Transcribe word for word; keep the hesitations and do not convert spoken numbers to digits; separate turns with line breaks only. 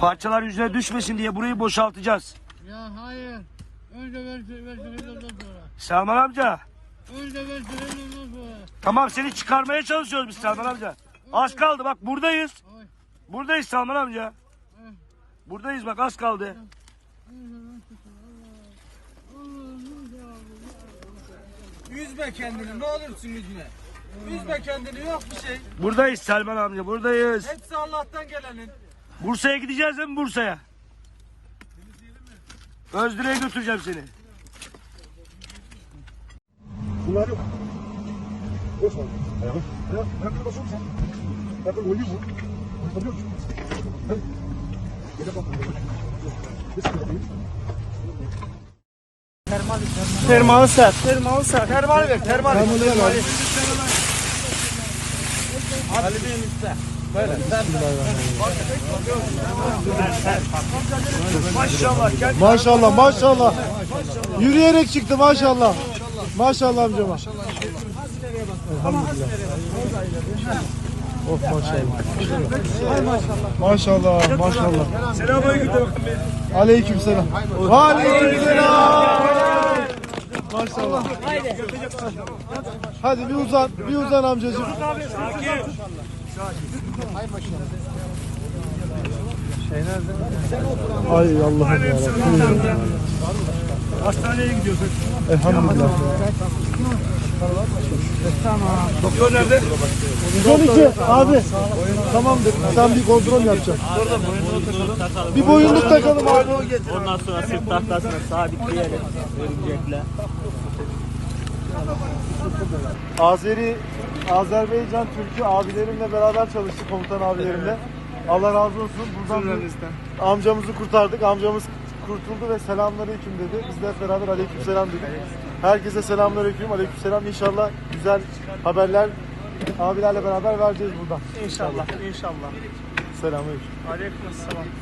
Parçalar yüzüne düşmesin diye burayı boşaltacağız.
Ya hayır. Önce ver ver ondan sonra.
Selman amca.
Önce ver ondan sonra.
Tamam, seni çıkarmaya çalışıyoruz biz Selman amca. Az kaldı, bak buradayız.
Ay.
Buradayız Selman amca. Buradayız bak, az kaldı.
Üzme kendini, ne olursun üzme. Üzme kendini, yok bir şey.
Buradayız Selman amca, buradayız.
Hepsi Allah'tan gelenin.
Bursa'ya gideceğiz değil mi, Bursa'ya? Özdire'ye götüreceğim seni.
Bunlar yok. Yok var. Ayağı. Ayağı. Ayakları basıyor musun? Ayakları oynuyor mu? Oynatabiliyor musun? Hadi. Gele bak. Ne sıkıntı değil?
Termal sert. Termal sert. Termal ver, termal.
Termal ver.
Ali Bey'in üstte. Böyle.
Maşallah. Gel.
Maşallah, maşallah. Yürüyerek çıktı maşallah. Maşallah amcama. Elhamdülillah. Of maşallah. Maşallah, maşallah.
Selamünaleyküm.
Aleykümselam. Aleykümselam. Maşallah. Hadi bir uzan, bir uzan amcacığım. Ay Allah'ım yarabbim.
Hastaneye gidiyorsun.
Elhamdülillah.
Doktor nerede?
yüz on iki abi. Tamamdır. Sen bir kontrol yapacaksın. Bir boyunluk takalım abi.
Ondan sonra sırt tahtasına sabitleyelim. Örümcekle.
Azeri, Azerbaycan Türk'ü abilerimle beraber çalıştık, komutan abilerimle. Allah razı olsun. Buradan bir amcamızı kurtardık. Amcamız kurtuldu ve selamünaleyküm dedi. Biz de hep beraber aleykümselam dedik. Herkese selamünaleyküm, aleykümselam. İnşallah güzel haberler abilerle beraber vereceğiz buradan.
İnşallah, inşallah.
Selamünaleyküm.
Aleykümselam.